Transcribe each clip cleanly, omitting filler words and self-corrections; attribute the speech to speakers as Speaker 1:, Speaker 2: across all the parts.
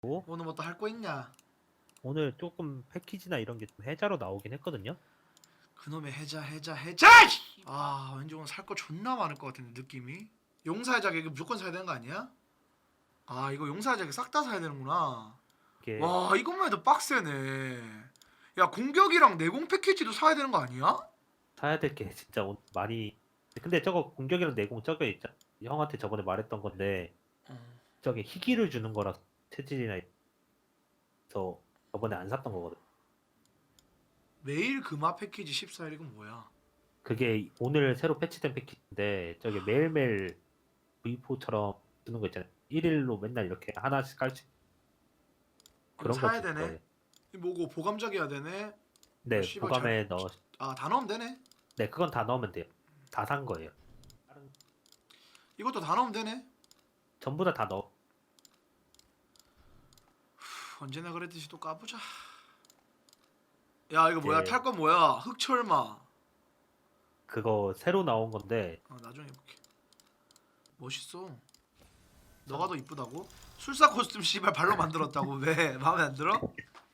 Speaker 1: 오늘 뭐 또 할 거 있냐?
Speaker 2: 오늘 조금 패키지나 이런 게 좀 해자로 나오긴 했거든요.
Speaker 1: 그놈의 해자. 아 왠지 오늘 살 거 존나 많을 것 같은데 느낌이. 용사의 이거 무조건 사야 되는 거 아니야? 아 이거 용사의 자켓 싹 다 사야 되는구나.
Speaker 2: 이게
Speaker 1: 와 이것만 해도 빡세네. 야 공격이랑 내공 패키지도 사야 되는 거 아니야?
Speaker 2: 사야 될 게 진짜 많이. 근데 저거 공격이랑 내공 저거 있잖아. 형한테 저번에 말했던 건데
Speaker 1: 어.
Speaker 2: 저게 희귀를 주는 거라 체질이나 해서 저번에 안 샀던 거거든.
Speaker 1: 매일 금화 패키지 14일 이건 뭐야?
Speaker 2: 그게 오늘 새로 패치된 패키지인데 저게 매일매일 V4처럼 주는 거 있잖아요. 1일로 맨날 이렇게 하나씩 깔 수
Speaker 1: 이거
Speaker 2: 그런 거
Speaker 1: 사야
Speaker 2: 줄
Speaker 1: 되네?
Speaker 2: 거예요.
Speaker 1: 이 뭐고 보감작 해야 되네?
Speaker 2: 네,
Speaker 1: 씨발,
Speaker 2: 보감에 넣어.
Speaker 1: 아 다 넣으면 되네?
Speaker 2: 네, 그건 다 넣으면 돼요. 다 산 거예요. 다른
Speaker 1: 이것도 다 넣으면 되네?
Speaker 2: 전부 다 넣어.
Speaker 1: 언제나 그랬듯이 또 까보자. 야 이거 뭐야?
Speaker 2: 이제
Speaker 1: 탈 건 뭐야? 흑철마.
Speaker 2: 그거 새로 나온 건데
Speaker 1: 나중에 해볼게. 멋있어. 너가 더 이쁘다고? 술사 코스튬 씨발 발로 만들었다고. 왜? 마음에 안 들어?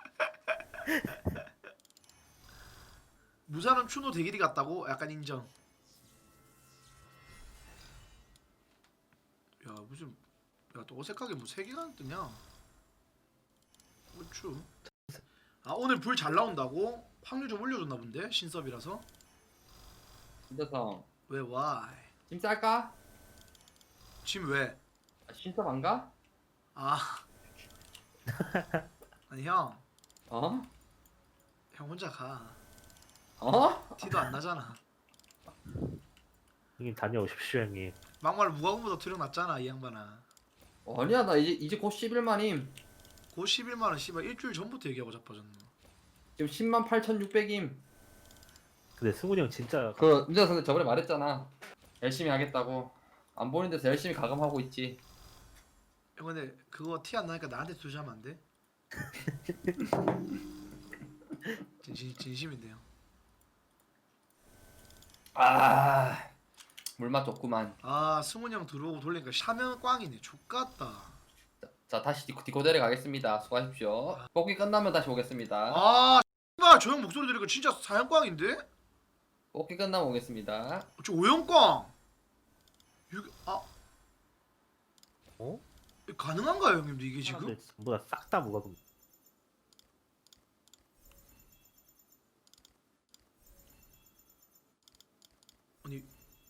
Speaker 1: 무사는 추노 대길이 같다고? 약간 인정. 야 무슨 야 또 어색하게 뭐 세계관 뜨냐? 그렇죠. 아 오늘 불 잘 나온다고? 확률 좀 올려줬나 본데? 신섭이라서?
Speaker 3: 신서성
Speaker 1: 왜 why?
Speaker 3: 짐 쌀까?
Speaker 1: 지금 왜?
Speaker 3: 신섭 안 가?
Speaker 1: 아 아니 형
Speaker 3: 어?
Speaker 1: 혼자 가.
Speaker 3: 어?
Speaker 1: 티도 안 나잖아.
Speaker 2: 형님 다녀오십시오 형님.
Speaker 1: 막말 무과금보다 투력 낮잖아 이 양반아.
Speaker 3: 아니야 나 이제 곧 11만임.
Speaker 1: 고 11만원 씨발 일주일 전부터 얘기하고 자빠졌네.
Speaker 3: 지금 10만 8,600임.
Speaker 2: 근데 승훈이 형 진짜
Speaker 3: 그 민서성 저번에 말했잖아. 열심히 하겠다고. 안 보이는 데서 열심히 가감하고 있지.
Speaker 1: 형 근데 그거 티 안 나니까 나한테 투자하면 안 돼? 진심인데요.
Speaker 3: 아 물맛 좋구만.
Speaker 1: 아 승훈이 형 들어오고 돌리니까 샤면 꽝이네. 족같다.
Speaker 3: 자 다시 디코데레 가겠습니다. 수고하십시오. 뽑기 끝나면 다시 오겠습니다.
Speaker 1: 아 씨발 저 형 목소리 들으니까 진짜 사형 꽝인데?
Speaker 3: 뽑기 끝나면 오겠습니다.
Speaker 1: 저 오형 꽝.
Speaker 2: 어?
Speaker 1: 가능한가요 형님도 이게 지금?
Speaker 2: 사람들 전부 다 싹 다 무과금.
Speaker 1: 아니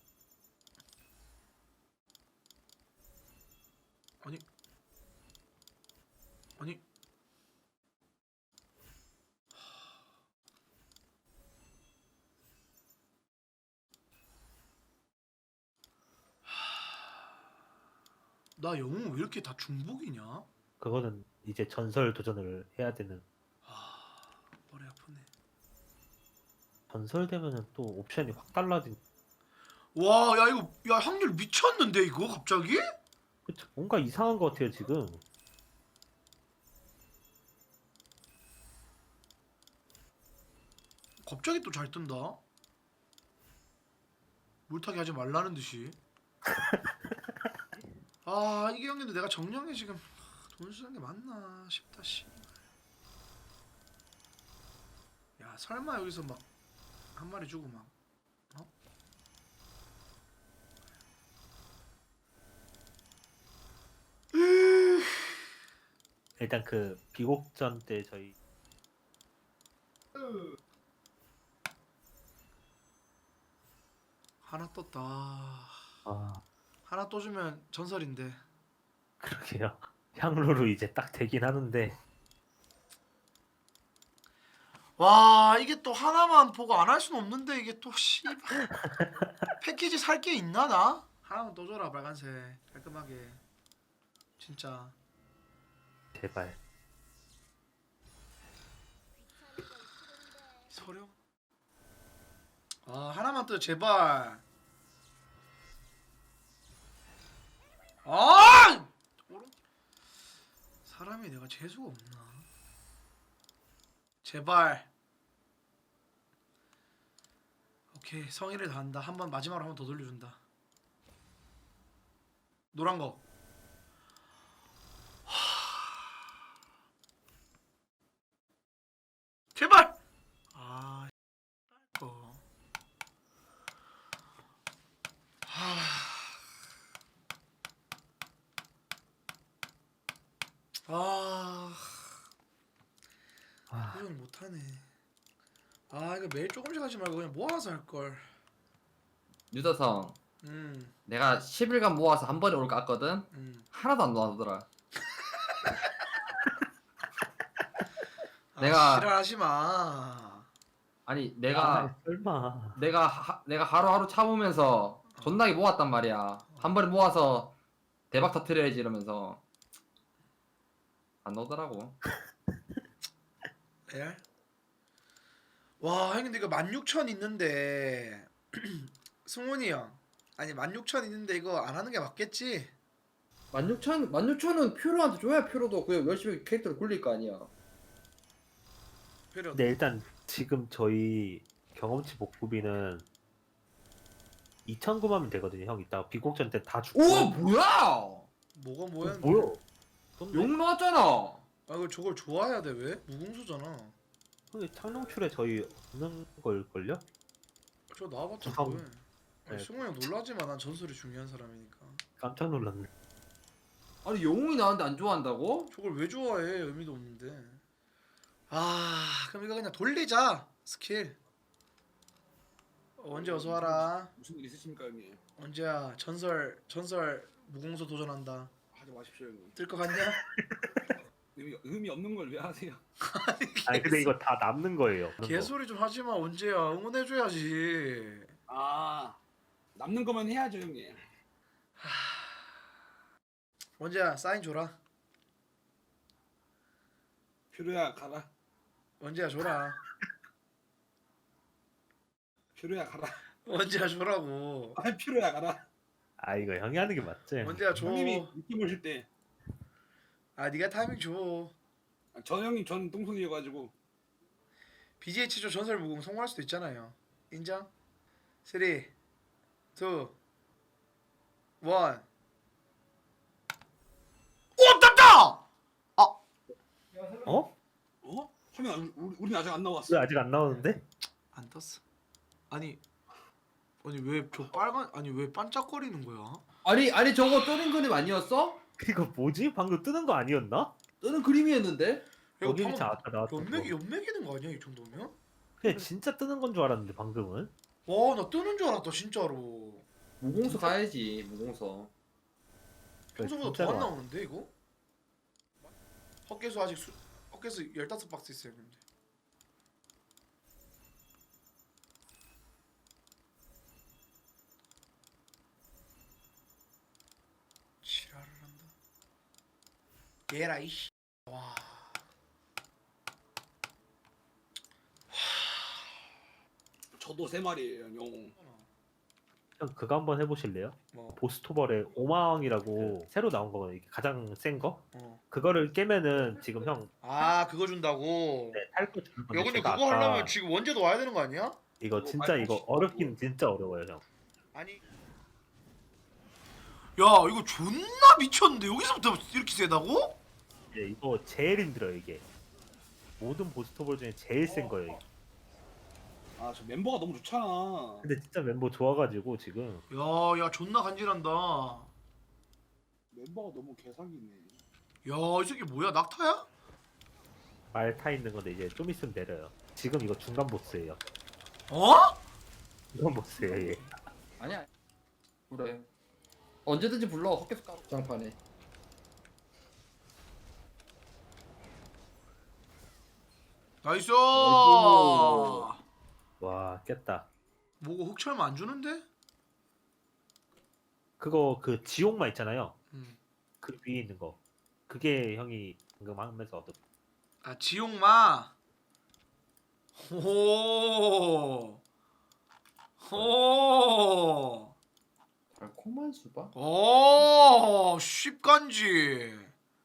Speaker 1: 아니 아니 나 영웅 왜 이렇게 다 중복이냐?
Speaker 2: 그거는 이제 전설 도전을 해야 되는.
Speaker 1: 아 머리 아프네.
Speaker 2: 전설 되면은 또 옵션이 확 달라진.
Speaker 1: 와 야 이거 야 확률 미쳤는데 이거 갑자기?
Speaker 2: 그쵸? 뭔가 이상한 것 같아요 지금.
Speaker 1: 갑자기 또 잘 뜬다. 물타기 하지 말라는 듯이. 아 이게 형님도 내가 정령에 지금 돈 쓰는 게 맞나 싶다 씨. 야 설마 여기서 막 한 마리 주고 막 어?
Speaker 2: 일단 그 비곡전 때 저희
Speaker 1: 하나 떴다.
Speaker 2: 아
Speaker 1: 하나 또 주면 전설인데.
Speaker 2: 그러게요. 향로로 이제 딱 되긴 하는데
Speaker 1: 와 이게 또 하나만 보고 안 할 수는 없는데 이게 또 씨발 패키지 살 게 있나 나? 하나만 또 줘라 빨간색 깔끔하게 진짜.
Speaker 2: 제발.
Speaker 1: 서령? 아 하나만 또 제발. 아! 사람이 내가 재수가 없나? 제발. 오케이 성의를 다한다. 한 번 마지막으로 한 번 더 돌려준다. 노란 거. 아
Speaker 2: 아,
Speaker 1: 도전 못하네. 아 이거 매일 조금씩 하지 말고 그냥 모아서 할 걸.
Speaker 3: 유다성
Speaker 1: 음.
Speaker 3: 내가 10일간 모아서 한 번에 올 것 같거든. 하나도 안 나오더라.
Speaker 1: 아,
Speaker 3: 내가-
Speaker 1: 지랄하지 마.
Speaker 3: 아니
Speaker 2: 아, 설마.
Speaker 3: 내가 하루하루 참으면서 존나게 모았단 말이야. 한 번에 모아서 대박 터트려야지 이러면서 안 나오더라고.
Speaker 1: 레알? 와, 형님 근데 이거 16,000 있는데 승훈이 형. 아니 16,000 있는데 이거 안 하는 게 맞겠지?
Speaker 3: 16,000은 퓨로한테 줘야 퓨로도 그 열심히 캐릭터를 굴릴 거 아니야.
Speaker 1: 필요.
Speaker 2: 근데 일단 지금 저희 경험치 복구비는 2,900만 되거든요. 형 이따가 비곡전 때 다 죽고.
Speaker 3: 오 뭐야?
Speaker 1: 뭐가 뭐야?
Speaker 2: 뭐야? 쏜데?
Speaker 3: 욕 나왔잖아.
Speaker 1: 아 이거 저걸 좋아해야 돼 왜? 무궁수잖아.
Speaker 2: 근데 창룡출에 저희 없는 걸걸요?
Speaker 1: 저 나와봤자
Speaker 2: 참.
Speaker 1: 뭐해? 아니
Speaker 2: 네.
Speaker 1: 승훈이 형 놀라지 마. 난 전설이 중요한 사람이니까.
Speaker 2: 깜짝 놀랐네.
Speaker 3: 아니 영웅이 나왔는데 안 좋아한다고?
Speaker 1: 저걸 왜 좋아해? 의미도 없는데. 아 그럼 이거 그냥 돌리자 스킬. 언제 어서 와라.
Speaker 4: 무슨 일 있으십니까 형님?
Speaker 1: 언제야 전설 무궁수 도전한다.
Speaker 4: 하지 마십시오 형님.
Speaker 1: 뜰 것 같냐?
Speaker 4: 의미 없는 걸 왜 하세요?
Speaker 2: 아니 근데 이거 다 남는 거예요.
Speaker 1: 개소리 좀 하지 마. 언제야? 응원해줘야지.
Speaker 4: 아 남는 거만 해야죠 형님.
Speaker 1: 언제야? 사인 줘라.
Speaker 4: 퓨로야 가라.
Speaker 1: 언제야 줘라.
Speaker 4: 퓨로야 가라.
Speaker 1: 언제야 줘라고.
Speaker 4: 아 퓨로야 가라.
Speaker 2: 아 이거 형이 하는 게 맞지?
Speaker 1: 언제야 줘.
Speaker 4: 형님이 느낌 오실 때.
Speaker 1: 아 네가 타이밍 줘.
Speaker 4: 저 형님 전 똥손이어가지고.
Speaker 1: BGH 조 전설 무궁 성공할 수도 있잖아요. 인정? 3, 2, 1. 오 떴다!
Speaker 2: 어?
Speaker 4: 어? 형님 우리 아직 안
Speaker 2: 왜
Speaker 4: 나왔어.
Speaker 2: 아직 안 나오는데?
Speaker 1: 안 떴어. 아니 왜 저 빨간 아니 왜 반짝거리는 거야?
Speaker 3: 아니 저거 뜨는 그림 아니었어?
Speaker 2: 이거 뭐지? 방금 뜨는 거 아니었나?
Speaker 3: 뜨는 그림이었는데?
Speaker 1: 야,
Speaker 2: 여기
Speaker 1: 방금
Speaker 2: 차 아까 나왔던 거.
Speaker 1: 연맥이는 거 아니야 이 정도면?
Speaker 2: 그냥 진짜 뜨는 건 줄 알았는데 방금은.
Speaker 1: 와 나 뜨는 줄 알았다 진짜로.
Speaker 3: 무공서 가야지 무공서.
Speaker 1: 평소보다
Speaker 2: 진짜로
Speaker 1: 더 안
Speaker 2: 와.
Speaker 1: 나오는데 이거? 헛개수 아직 헛개수 15박스 있어요 근데. 지랄을 한다. 얘라 이씨. 와.
Speaker 4: 저도 3마리예요 형.
Speaker 2: 형 그거 한번 해보실래요?
Speaker 1: 뭐.
Speaker 2: 보스토벌의 오마왕이라고 새로 나온 거거든요. 이게 가장 센 거.
Speaker 1: 어.
Speaker 2: 그거를 깨면은 지금 형
Speaker 1: 아 그거 준다고.
Speaker 2: 탈거 주는 건데
Speaker 1: 야 근데
Speaker 2: 제가
Speaker 1: 그거
Speaker 2: 아까
Speaker 1: 하려면 지금 원제도 와야 되는 거 아니야?
Speaker 2: 이거 진짜 이거 어렵긴 진짜 어려워요 형.
Speaker 1: 아니. 야 이거 존나 미쳤는데 여기서부터 이렇게 세다고?
Speaker 2: 예, 이거 제일 힘들어요 이게. 모든 보스토벌 중에 제일 센 거예요. 이게.
Speaker 4: 아 저 멤버가 너무 좋잖아.
Speaker 2: 근데 진짜 멤버 좋아가지고 지금
Speaker 1: 야 존나 간지난다. 야
Speaker 4: 멤버가 너무 개사기네.
Speaker 1: 이 새끼 뭐야 낙타야?
Speaker 2: 말 타 있는 건데 이제 좀 있으면 내려요. 지금 이거 중간 보스예요.
Speaker 1: 어?
Speaker 2: 중간 보스예요. 얘.
Speaker 3: 아니야. 그래. 언제든지 불러 헛개수 까고 장판에.
Speaker 1: 나이스.
Speaker 3: 나이스.
Speaker 2: 와 깼다.
Speaker 1: 뭐고 흑철만 안 주는데?
Speaker 2: 그거 그 지옥마 있잖아요.
Speaker 1: 음.
Speaker 2: 그 위에 있는 거. 그게 형이 방금 하면서 얻은.
Speaker 1: 아 지옥마. 호. 호.
Speaker 3: 달콤한 수박?
Speaker 1: 오 쉽간지.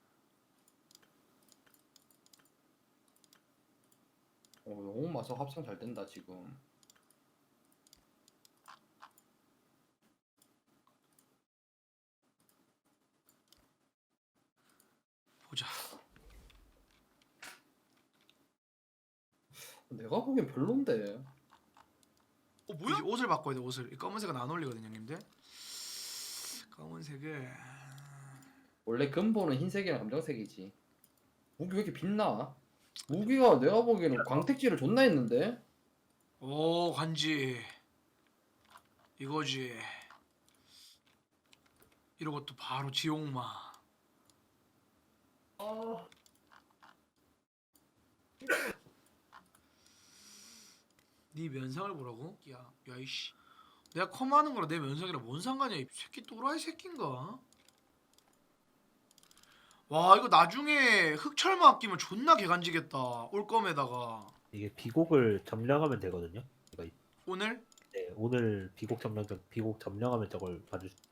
Speaker 3: 영웅 마석 합성 잘 된다 지금.
Speaker 1: 보자.
Speaker 3: 내가 보기엔 별론데.
Speaker 1: 뭐야? 이제 옷을 바꿔야 돼 옷을. 이 검은색은 안 어울리거든요 형님들. 검은색을
Speaker 3: 원래 근본은 흰색이랑 검정색이지. 무기 왜 이렇게 빛나? 무기가 내가 보기에는 광택질을 존나 했는데.
Speaker 1: 오 간지 이거지. 이러고 또 바로 지옥마. 네 면상을 보라고? 야 이씨. 내가 컴하는 거랑 내 면상이랑 뭔 상관이야? 이 새끼 또라이 새끼인가? 와 이거 나중에 흑철마 끼면 존나 개간지겠다. 올검에다가
Speaker 2: 이게 비곡을 점령하면 되거든요. 이거
Speaker 1: 오늘?
Speaker 2: 네, 오늘 비곡 점령하면 저걸 봐줄 수.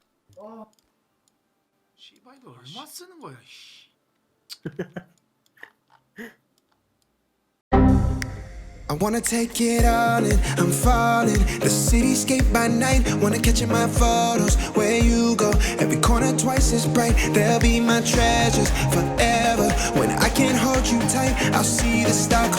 Speaker 1: 씨발 이거 얼마 쓰는 거야 이씨.
Speaker 5: I wanna take it all in, I'm falling. The cityscape by night, wanna catch in my photos. Where you go, every corner twice as bright. They'll be my treasures forever. When I can't hold you tight, I'll see the star.